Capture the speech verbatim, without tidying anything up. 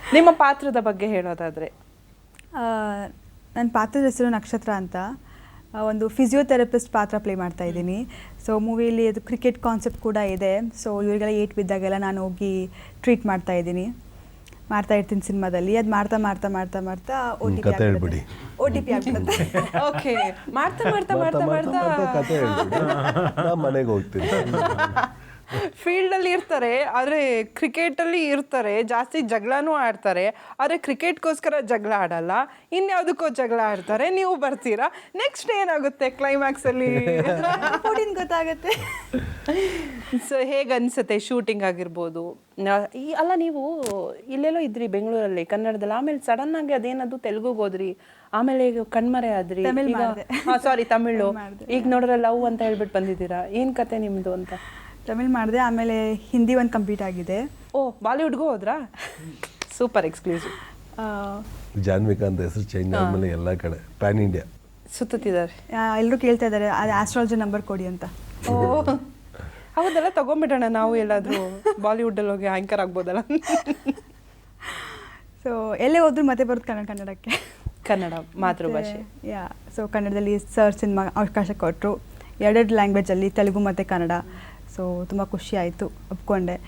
ನಿಮ್ಮ ಪಾತ್ರದ ಬಗ್ಗೆ ಹೇಳೋದಾದರೆ? ನನ್ನ ಪಾತ್ರದ ಹೆಸರು ನಕ್ಷತ್ರ ಅಂತ. ಒಂದು ಫಿಸಿಯೋಥೆರಪಿಸ್ಟ್ ಪಾತ್ರ ಪ್ಲೇ ಮಾಡ್ತಾ ಇದ್ದೀನಿ. ಸೊ ಮೂವಿಯಲ್ಲಿ ಅದು ಕ್ರಿಕೆಟ್ ಕಾನ್ಸೆಪ್ಟ್ ಕೂಡ ಇದೆ. ಸೊ ಇವರಿಗೆಲ್ಲ ಏಟ್ ಬಿದ್ದಾಗೆಲ್ಲ ನಾನು ಹೋಗಿ ಟ್ರೀಟ್ ಮಾಡ್ತಾ ಇದ್ದೀನಿ, ಮಾಡ್ತಾ ಇರ್ತೀನಿ ಸಿನಿಮಾದಲ್ಲಿ. ಅದು ಮಾಡ್ತಾ ಮಾಡ್ತಾ ಮಾಡ್ತಾ ಮಾಡ್ತಾ ಓ ಟಿ ಪಿ ಆಗ್ಬಿಡುತ್ತೆ. ಓ ಟಿ ಪಿ ಆಗ್ಬಿಡುತ್ತೆ. ಓಕೆ, ಮಾಡ್ತಾ ಮಾಡ್ತಾ ಮಾಡ್ತಾ ಮಾಡ್ತಾ ಕತೆ ಹೇಳ್ಬಿಡಿ, ನಾ ಮನೆಗೆ ಹೋಗ್ತೀನಿ. ಫೀಲ್ಡಲ್ಲಿ ಇರ್ತಾರೆ, ಆದರೆ ಕ್ರಿಕೆಟಲ್ಲಿ ಇರ್ತಾರೆ, ಜಾಸ್ತಿ ಜಗಳನೂ ಆಡ್ತಾರೆ. ಆದರೆ ಕ್ರಿಕೆಟ್ಗೋಸ್ಕರ ಜಗಳ ಆಡಲ್ಲ, ಇನ್ಯಾವುದಕ್ಕೋ ಜಗಳ ಆಡ್ತಾರೆ. ನೀವು ಬರ್ತೀರಾ, ನೆಕ್ಸ್ಟ್ ಏನಾಗುತ್ತೆ ಕ್ಲೈಮ್ಯಾಕ್ಸಲ್ಲಿ ಗೊತ್ತಾಗುತ್ತೆ. ಸೊ ಹೇಗೆ ಅನಿಸುತ್ತೆ ಶೂಟಿಂಗ್ ಆಗಿರ್ಬೋದು? ಈ ಅಲ್ಲ, ನೀವು ಇಲ್ಲೆಲ್ಲೋ ಇದ್ರಿ ಬೆಂಗಳೂರಲ್ಲಿ ಕನ್ನಡದಲ್ಲಿ, ಆಮೇಲೆ ಸಡನ್ನಾಗಿ ಅದೇನದು ತೆಲುಗುಗೆ ಹೋದ್ರಿ, ಆಮೇಲೆ ಈಗ ಕಣ್ಮರೆ ಆದ್ರಿ, ಹಾಂ ಸಾರಿ ತಮಿಳು, ಈಗ ನೋಡ್ರೆ ಲವ್ ಅಂತ ಹೇಳ್ಬಿಟ್ಟು ಬಂದಿದ್ದೀರಾ. ಏನು ಕತೆ ನಿಮ್ಮದು ಅಂತ? ತಮಿಳ್ ಮಾಡಿದೆ, ಆಮೇಲೆ ಹಿಂದಿ ಒಂದು ಕಂಪ್ಲೀಟ್ ಆಗಿದೆ. ಓ, ಬಾಲಿವುಡ್ಗೂ ಹೋದ್ರಾ? Super exclusive. ಜಾನ್ವಿಕಾ ಅಂತ ಹೆಸರು ಚೇಂಜ್ ಆದಮೇಲೆ ಎಲ್ಲ ಕಡೆ ಪ್ಯಾನ್ ಇಂಡಿಯಾ ಸುತ್ತಿದ್ದಾರೆ. ಎಲ್ಲರೂ ಕೇಳ್ತಾ ಇದ್ದಾರೆ ಅದು ಆಸ್ಟ್ರಾಲಜಿ ನಂಬರ್ ಕೊಡಿ ಅಂತ. ಓ ಹೌದಲ್ಲ, ತಗೊಂಬಿಡೋಣ ನಾವು ಎಲ್ಲಾದರೂ ಬಾಲಿವುಡ್ಡಲ್ಲಿ ಹೋಗಿ ಆ್ಯಂಕರ್ ಆಗ್ಬೋದಲ್ಲ. ಸೊ ಎಲ್ಲೇ ಹೋದ್ರು ಮತ್ತೆ ಬರೋದು ಕನ್ನಡ ಕನ್ನಡಕ್ಕೆ ಕನ್ನಡ ಮಾತೃಭಾಷೆ. ಯಾ ಸೊ ಕನ್ನಡದಲ್ಲಿ ಸರ್ ಸಿನಿಮಾ ಅವಕಾಶ ಕೊಟ್ಟರು, ಎರಡೆರಡು ಲ್ಯಾಂಗ್ವೇಜಲ್ಲಿ, ತೆಲುಗು ಮತ್ತು ಕನ್ನಡ. ಸೊ ತುಂಬ ಖುಷಿ ಆಯಿತು, ಒಪ್ಕೊಂಡೆ.